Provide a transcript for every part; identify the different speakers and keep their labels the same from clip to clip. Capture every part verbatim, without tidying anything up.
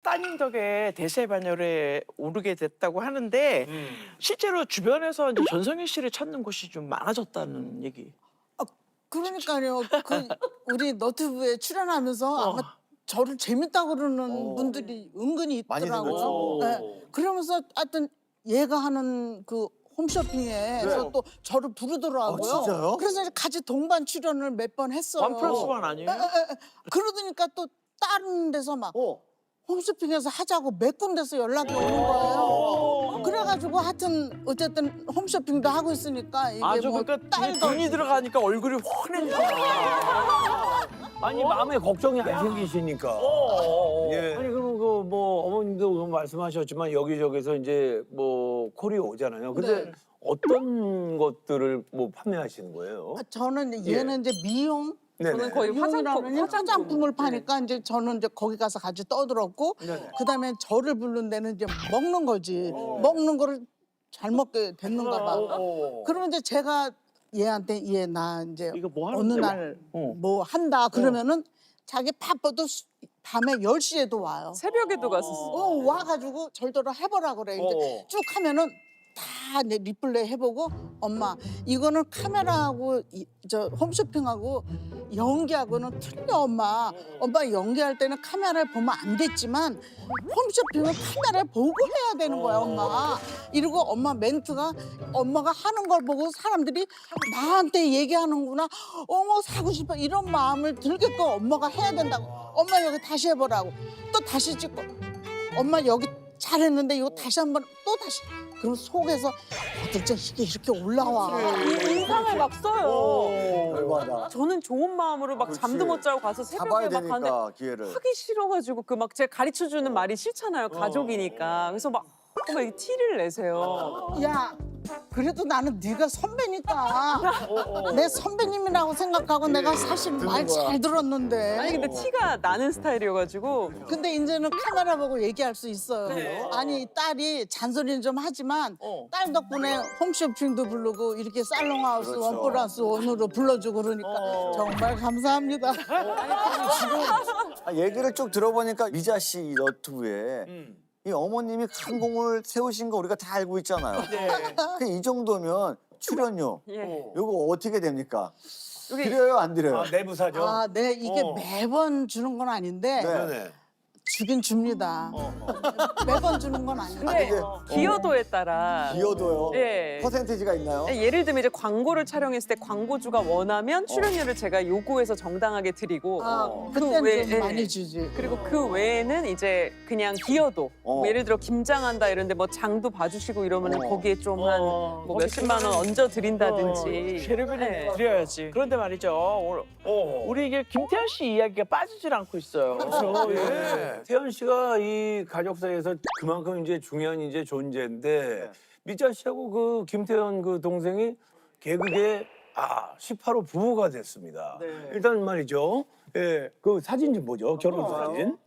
Speaker 1: 따님 덕에 대세 반열에 오르게 됐다고 하는데
Speaker 2: 음.
Speaker 1: 실제로 주변에서 이제 전성현 씨를 찾는 곳이 좀 많아졌다는 얘기.
Speaker 3: 아, 그러니까요. 그 우리 너튜브에 출연하면서 아마 저를 재밌다고 그러는 분들이 은근히
Speaker 4: 많이
Speaker 3: 있더라고요.
Speaker 4: 생겼죠.
Speaker 3: 네. 그러면서 하여튼 얘가 하는 그 홈쇼핑에서 또 저를 부르더라고요.
Speaker 4: 아, 진짜요?
Speaker 3: 그래서 이제 같이 동반 출연을 몇 번 했어요.
Speaker 1: 원 플러스 원 아니에요?
Speaker 3: 에, 에, 에. 그러더니까 또 다른 데서 막
Speaker 4: 어.
Speaker 3: 홈쇼핑에서 하자고 몇 군데서 연락이 오는 거예요. 그래가지고 하여튼 어쨌든 홈쇼핑도 하고 있으니까 이게
Speaker 1: 아주
Speaker 3: 뭐
Speaker 1: 그러니까 이게
Speaker 3: 딸도
Speaker 1: 돈이 들어가니까 얼굴이 환해지잖아.
Speaker 2: 아니 마음에 걱정이 안 생기시니까.
Speaker 4: 예.
Speaker 2: 아니 그럼 그 뭐 어머님도 그 말씀하셨지만 여기저기서 이제 뭐 콜이 오잖아요. 근데
Speaker 3: 네.
Speaker 2: 어떤 것들을 뭐 판매하시는 거예요?
Speaker 3: 아, 저는 얘는 이제 미용
Speaker 2: 네네.
Speaker 5: 저는 거의 화장품,
Speaker 3: 미용이라는 화장품을 파니까 이제 저는 이제 거기 가서 같이 떠들었고 그다음에 저를 부른 데는 이제 먹는 거지. 먹는 거를 잘 먹게 됐는가 봐. 그러면 이제 제가 얘한테 얘 나 이제
Speaker 1: 이거 뭐
Speaker 3: 어느
Speaker 1: 하는데?
Speaker 3: 날
Speaker 1: 어.
Speaker 3: 뭐 한다 그러면은 자기 바빠도 수- 밤에 열 시에도 와요.
Speaker 5: 새벽에도 갔었어.
Speaker 3: 어, 와가지고 절대로 해보라 그래. 이제
Speaker 2: 어.
Speaker 3: 쭉 하면은 다 이제 리플레이 해보고 엄마 이거는 카메라하고 이, 저 홈쇼핑하고 연기하고는 틀려 엄마. 엄마 연기할 때는 카메라를 보면 안 됐지만 홈쇼핑은 카메라를 보고 해야 되는 거야 엄마. 이러고 엄마 멘트가 엄마가 하는 걸 보고 사람들이 나한테 얘기하는구나. 어머 사고 싶어 이런 마음을 들게끔 엄마가 해야 된다고. 엄마 여기 다시 해보라고. 또 다시 찍고 엄마 여기 잘했는데 이거 다시 한번 또 다시. 그럼 속에서 어떨 이게 이렇게 올라와.
Speaker 5: 인상을 막 써요.
Speaker 4: 열받아.
Speaker 5: 저는 좋은 마음으로 막
Speaker 4: 그렇지.
Speaker 5: 잠도 못 자고 가서
Speaker 4: 잡아야
Speaker 5: 새벽에 막 가는데
Speaker 4: 되니까 기회를.
Speaker 5: 하기 싫어가지고 그 막 제가 가르쳐 주는 말이 싫잖아요. 가족이니까. 그래서 막 어머 이게 티를 내세요.
Speaker 3: 야, 그래도 나는 네가 선배니까 내 선배님이라고 생각하고 내가 사실 말 잘 들었는데.
Speaker 5: 아니 근데 티가 나는 스타일이어가지고
Speaker 3: 근데 이제는 카메라 보고 얘기할 수 있어요. 아니 딸이 잔소리는 좀 하지만
Speaker 1: 어.
Speaker 3: 딸 덕분에 홈쇼핑도 부르고 이렇게 살롱하우스
Speaker 4: 그렇죠.
Speaker 3: 원 플러스 원으로 불러주고 그러니까 정말 감사합니다.
Speaker 4: 아, 얘기를 쭉 들어보니까 미자 씨 너튜브에 이 어머님이 큰 공을 세우신 거 우리가 다 알고 있잖아요.
Speaker 1: 네.
Speaker 4: 그 이 정도면 출연료
Speaker 5: 예.
Speaker 4: 요거 어떻게 됩니까?
Speaker 5: 여기
Speaker 4: 드려요 안 드려요?
Speaker 2: 아, 내부 사정.
Speaker 3: 아, 네 이게
Speaker 2: 어.
Speaker 3: 매번 주는 건 아닌데
Speaker 4: 네.
Speaker 2: 네네.
Speaker 3: 주긴 줍니다. 매번 주는 건 아닌데.
Speaker 5: 근데
Speaker 4: 이게-
Speaker 5: 기여도에 따라
Speaker 4: 기여도요?
Speaker 5: 예.
Speaker 4: 퍼센티지가 있나요?
Speaker 5: 예를 들면 이제 광고를 촬영했을 때 광고주가 원하면 출연료를 제가 요구해서 정당하게 드리고
Speaker 3: 아,
Speaker 5: 그
Speaker 3: 그때는
Speaker 5: 외에-
Speaker 3: 좀
Speaker 5: 예.
Speaker 3: 많이 주지.
Speaker 5: 그리고 그 외에는 이제 그냥 기여도
Speaker 4: 어.
Speaker 5: 뭐 예를 들어 김장한다 이런데 뭐 장도 봐주시고 이러면 은
Speaker 4: 어.
Speaker 5: 거기에 좀 한
Speaker 1: 어,
Speaker 5: 뭐
Speaker 1: 거기
Speaker 5: 몇십만 원 얹어 드린다든지
Speaker 1: 세르비는
Speaker 5: 네.
Speaker 1: 드려야지. 그런데 말이죠. 오늘
Speaker 2: 어.
Speaker 1: 우리 이게 김태현 씨 이야기가 빠지질 않고 있어요.
Speaker 2: 그렇죠. 예. 태연 씨가 이 가족사에서 그만큼 이제 중요한 이제 존재인데 미자 씨하고 그 김태연 그 동생이 개그계 아 십팔 호 부부가 됐습니다.
Speaker 1: 네.
Speaker 2: 일단 말이죠. 예, 그 사진 좀 보죠. 결혼 사진.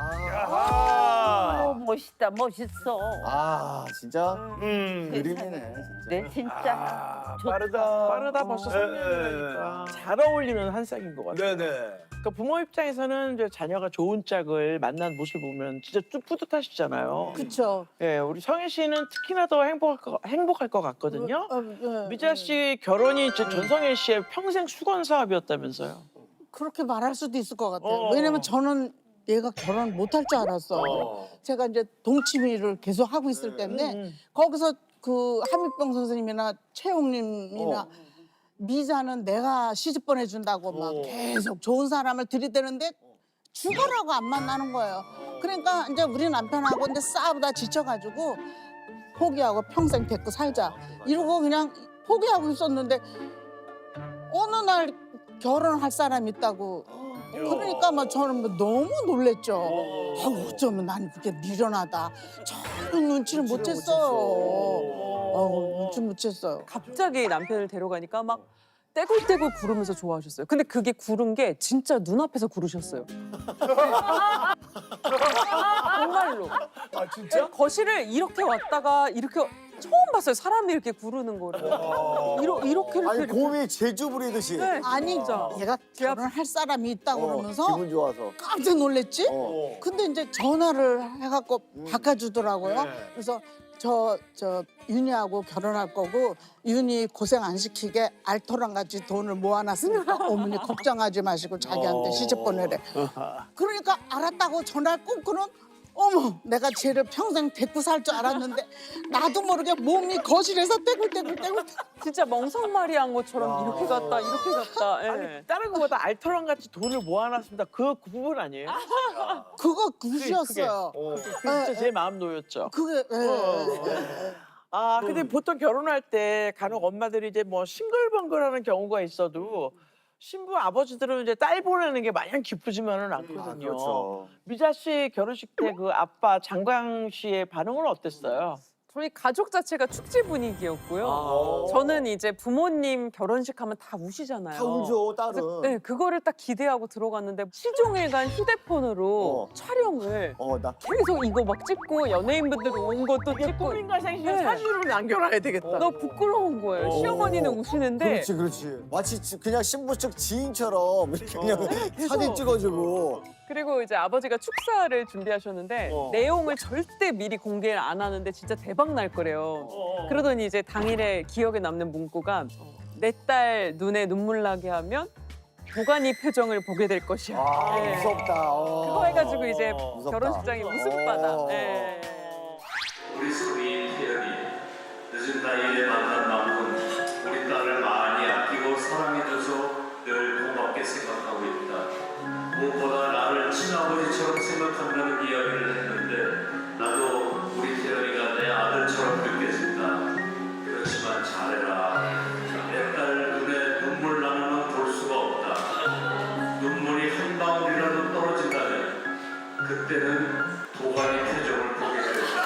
Speaker 6: 어, 멋있다, 멋있어.
Speaker 4: 아 진짜
Speaker 2: 음.
Speaker 4: 그림이네 진짜.
Speaker 6: 네, 진짜.
Speaker 2: 아,
Speaker 6: 좋다.
Speaker 2: 빠르다.
Speaker 1: 빠르다 벌써
Speaker 2: 예,
Speaker 1: 삼 년이니까 잘 어울리는 한 쌍인 것 같아요.
Speaker 2: 네네.
Speaker 1: 그러니까 부모 입장에서는 이제 자녀가 좋은 짝을 만난 모습 보면 진짜 쭉 뿌듯하시잖아요.
Speaker 3: 그렇죠.
Speaker 1: 예, 우리 성혜 씨는 특히나 더 행복할 것, 행복할 것 같거든요.
Speaker 3: 어, 예,
Speaker 1: 미자 씨 결혼이 이제 전성혜 씨의 평생 수건 사업이었다면서요.
Speaker 3: 그렇게 말할 수도 있을 것 같아요.
Speaker 1: 어.
Speaker 3: 왜냐면 저는 얘가 결혼 못할 줄 알았어.
Speaker 2: 어.
Speaker 3: 제가 이제 동치미를 계속 하고 있을 때인데
Speaker 1: 음.
Speaker 3: 거기서 그 한미병 선생님이나 최홍님이나
Speaker 4: 어.
Speaker 3: 미자는 내가 시집 보내준다고 막
Speaker 2: 어.
Speaker 3: 계속 좋은 사람을 들이대는데 죽어라고 안 만나는 거예요. 그러니까 이제 우리 남편하고 이제 싸우다 지쳐가지고 포기하고 평생 데리고 살자 이러고 그냥 포기하고 있었는데 어느 날 결혼할 사람 있다고 그러니까 막 저는 뭐 너무 놀랬죠. 아, 어쩌면 난 그게 미련하다. 저는 눈치를 못 챘어요. 어, 눈치 못 챘어요.
Speaker 5: 갑자기 남편을 데려가니까 막 떼굴떼굴 구르면서 좋아하셨어요. 근데 그게 구른 게 진짜 눈앞에서 구르셨어요. 정말로.
Speaker 2: 아 진짜?
Speaker 5: 거실을 이렇게 왔다가 이렇게 처음 봤어요. 사람이 이렇게 구르는 거를. 이러, 이렇게 이렇게.
Speaker 4: 아니
Speaker 5: 이렇게.
Speaker 4: 곰이 제주 부리듯이.
Speaker 5: 네.
Speaker 3: 아니
Speaker 5: 진짜.
Speaker 3: 얘가 결혼할 사람이 있다고
Speaker 4: 어,
Speaker 3: 그러면서
Speaker 4: 기분 좋아서.
Speaker 3: 깜짝 놀랬지.
Speaker 4: 어.
Speaker 3: 근데 이제 전화를 해갖고
Speaker 4: 음.
Speaker 3: 바꿔주더라고요.
Speaker 2: 네.
Speaker 3: 그래서 저, 저 윤희하고 결혼할 거고 윤희 고생 안 시키게 알토랑 같이 돈을 모아놨으니까 어머니 걱정하지 마시고 자기한테 시집 보내래. 그러니까 알았다고 전화를 끊고는 어머 내가 쟤를 평생 데리고 살 줄 알았는데 나도 모르게 몸이 거실에서 떼굴떼굴떼굴
Speaker 5: 진짜 멍석말이 한 것처럼
Speaker 4: 야.
Speaker 5: 이렇게 갔다 이렇게 갔다. 예.
Speaker 1: 아니 다른 것보다 알토랑 같이 돈을 모아놨습니다. 그 부분 아니에요?
Speaker 3: 그거
Speaker 1: 그게-
Speaker 3: 굿이었어요.
Speaker 1: 그게 진짜 제 마음 놓였죠.
Speaker 3: 그게 예, 예.
Speaker 1: 아 근데 보통 결혼할 때 간혹 엄마들이 이제 뭐 싱글벙글하는 경우가 있어도 신부 아버지들은 이제 딸 보내는 게 마냥 기쁘지만은 않거든요.
Speaker 4: 아, 그렇죠.
Speaker 1: 미자 씨 결혼식 때 그 아빠 장광 씨의 반응은 어땠어요?
Speaker 5: 저희 가족 자체가 축제 분위기였고요.
Speaker 1: 아.
Speaker 5: 저는 이제 부모님 결혼식 하면 다 우시잖아요.
Speaker 4: 다 울죠
Speaker 5: 그래서
Speaker 4: 딸은.
Speaker 5: 네, 그거를 딱 기대하고 들어갔는데 시종일관 휴대폰으로
Speaker 4: 어.
Speaker 5: 촬영을
Speaker 4: 어 나.
Speaker 5: 계속 이거 막 찍고 연예인분들 온 것도
Speaker 1: 이게
Speaker 5: 찍고
Speaker 1: 꿈인가 생신
Speaker 5: 네.
Speaker 1: 사진으로 남겨놔야 되겠다.
Speaker 5: 너무 부끄러운 거예요.
Speaker 4: 어.
Speaker 5: 시어머니는 우시는데
Speaker 4: 그렇지 그렇지. 마치 지- 그냥 신부 측 지인처럼 이렇게 그냥
Speaker 5: 계속.
Speaker 4: 사진 찍어주고.
Speaker 5: 그리고 이제 아버지가 축사를 준비하셨는데
Speaker 1: 어.
Speaker 5: 내용을 절대 미리 공개를 안 하는데 진짜 대박 날 거래요.
Speaker 1: 어.
Speaker 5: 그러더니 이제 당일에 기억에 남는 문구가 내 딸 눈에 눈물 나게 하면 보관이 표정을 보게 될 것이야.
Speaker 4: 아
Speaker 5: 네.
Speaker 4: 무섭다. 어.
Speaker 5: 그거 해가지고 이제
Speaker 4: 무섭다.
Speaker 5: 결혼식장이 웃음바다.
Speaker 4: 어.
Speaker 5: 네.
Speaker 7: 우리 소리 태연이 늦은 나이에 만난 남은 우리 딸을 많이 아끼고 사랑해줘서 늘 고맙게 생각하고 있다. 무엇보다 나를 친아버지처럼 생각한다는 이야기를 했는데 나도 우리 태연이가 내 아들처럼 느껴진다. 그렇지만 잘해라. 내 딸 눈에 눈물 나는 건 볼 수가 없다. 눈물이 한 방울이라도 떨어진다면 그때는 도가니 표정을 보게 될 것이다.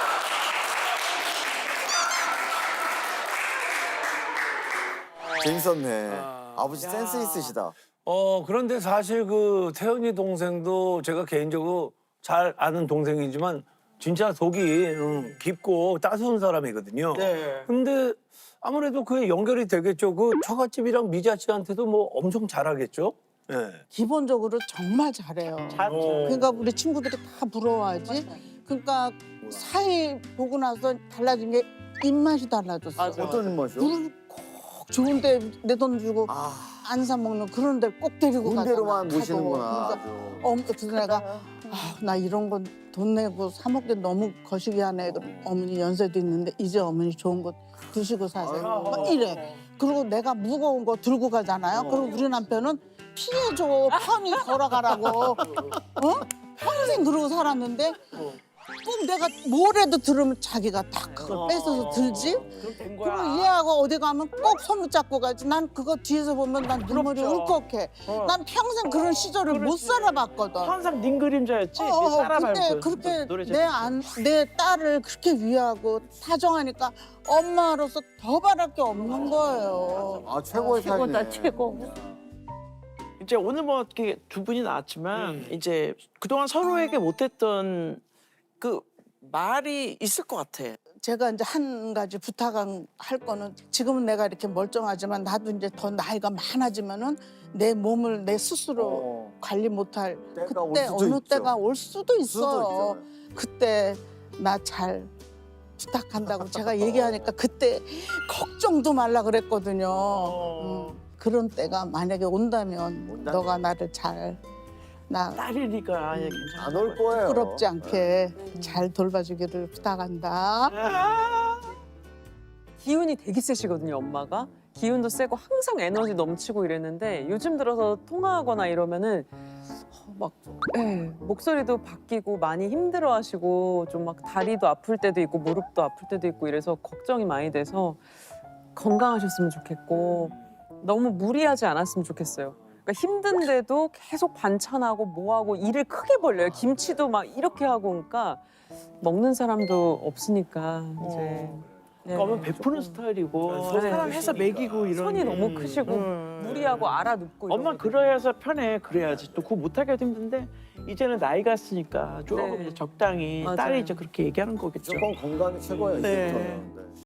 Speaker 4: 재밌었네.
Speaker 2: 아.
Speaker 4: 아버지 센스 있으시다.
Speaker 2: 어 그런데 사실 그 태연이 동생도 제가 개인적으로 잘 아는 동생이지만 진짜 속이 음, 깊고 따스운 사람이거든요.
Speaker 1: 네.
Speaker 2: 근데 아무래도 그게 연결이 되겠죠. 그 처갓집이랑 미자 씨한테도 뭐 엄청 잘하겠죠. 예.
Speaker 3: 기본적으로 정말 잘해요.
Speaker 1: 잘,
Speaker 2: 어.
Speaker 3: 그러니까 우리 친구들이 다 부러워하지. 그러니까 사이 보고 나서 달라진 게 입맛이 달라졌어.
Speaker 5: 맞아.
Speaker 4: 어떤 맛이요?
Speaker 3: 물을 꼭 좋은데 내 돈 주고
Speaker 4: 아
Speaker 3: 안 사 먹는 그런 데 꼭 데리고 가잖아.
Speaker 4: 군대로만
Speaker 3: 가도.
Speaker 4: 모시는구나.
Speaker 3: 그러니까
Speaker 4: 아주.
Speaker 3: 어, 그래서 내가 아, 나 이런 건 돈 내고 사 먹기 너무 거시기하네. 어머니 연세도 있는데 이제 어머니 좋은 거 드시고 사세요.
Speaker 4: 아이고.
Speaker 3: 막 이래. 그리고 내가 무거운 거 들고 가잖아요.
Speaker 4: 어.
Speaker 3: 그리고 우리 남편은 피해줘. 편히 걸어가라고. 어? 평생 그러고 살았는데 꼭 내가 뭐라도 들으면 자기가 딱 그걸 뺏어서 들지.
Speaker 1: 그럼 된 거야.
Speaker 3: 그리고 얘하고 어디 가면 꼭 손 붙잡고 가지. 난 그거 뒤에서 보면 난 눈물이
Speaker 1: 부럽죠.
Speaker 3: 울컥해.
Speaker 1: 어.
Speaker 3: 난 평생 그런 시절을 못
Speaker 1: 그렇지.
Speaker 3: 살아봤거든.
Speaker 1: 항상 닌 그림자였지.
Speaker 3: 어, 어,
Speaker 1: 따라
Speaker 3: 근데
Speaker 1: 밟고
Speaker 3: 그렇게
Speaker 1: 노래
Speaker 3: 내, 안, 내 딸을 그렇게 위하고 타정하니까 엄마로서 더 바랄 게 없는 거예요.
Speaker 4: 아 최고의
Speaker 6: 최고다
Speaker 4: 사이네.
Speaker 6: 최고.
Speaker 1: 이제 오늘 뭐 이렇게 두 분이 나왔지만 이제 그동안 서로에게 못했던 그 말이 있을 것 같아.
Speaker 3: 제가 이제 한 가지 부탁할 거는 지금은 내가 이렇게 멀쩡하지만 나도 이제 더 나이가 많아지면은 내 몸을 내 스스로
Speaker 4: 어.
Speaker 3: 관리 못할
Speaker 4: 때가 올
Speaker 3: 그때
Speaker 4: 수도
Speaker 3: 어느
Speaker 4: 있죠.
Speaker 3: 때가 올 수도
Speaker 4: 수도
Speaker 3: 있어요.
Speaker 4: 있잖아요.
Speaker 3: 그때 나 잘 부탁한다고 제가 얘기하니까 그때 걱정도 말라 그랬거든요. 음, 그런 때가 만약에 온다면
Speaker 4: 온다면?
Speaker 3: 너가 나를 잘 나
Speaker 1: 딸이니까 아예 괜찮아.
Speaker 4: 안 올 거예요.
Speaker 3: 부끄럽지 않게 잘 돌봐주기를 부탁한다.
Speaker 1: 아,
Speaker 5: 기운이 되게 세시거든요, 엄마가. 기운도 세고 항상 에너지 넘치고 이랬는데 요즘 들어서 통화하거나 이러면은 어, 막 예, 목소리도 바뀌고 많이 힘들어하시고 좀 막 다리도 아플 때도 있고 무릎도 아플 때도 있고 이래서 걱정이 많이 돼서 건강하셨으면 좋겠고 너무 무리하지 않았으면 좋겠어요. 그러니까 힘든데도 계속 반찬하고 뭐하고 일을 크게 벌려요. 김치도 막 이렇게 하고 그러니까 먹는 사람도 없으니까 이제 네,
Speaker 1: 그러면 베푸는
Speaker 5: 조금
Speaker 1: 스타일이고
Speaker 2: 네,
Speaker 1: 사랑해서 먹이고 이런
Speaker 5: 손이
Speaker 1: 게.
Speaker 5: 너무 크시고
Speaker 1: 음.
Speaker 5: 무리하고 알아눕고
Speaker 1: 엄마
Speaker 5: 이러거든요.
Speaker 1: 그래야서 편해. 그래야지 또 그거 못하게 해도 힘든데 이제는 나이가 있으니까 조금
Speaker 5: 네.
Speaker 1: 이제 적당히
Speaker 5: 맞아요.
Speaker 1: 딸이 이제 그렇게 얘기하는 거겠죠.
Speaker 4: 무조건 건강이 최고예요.
Speaker 1: 네.
Speaker 4: 이제부터는. 네.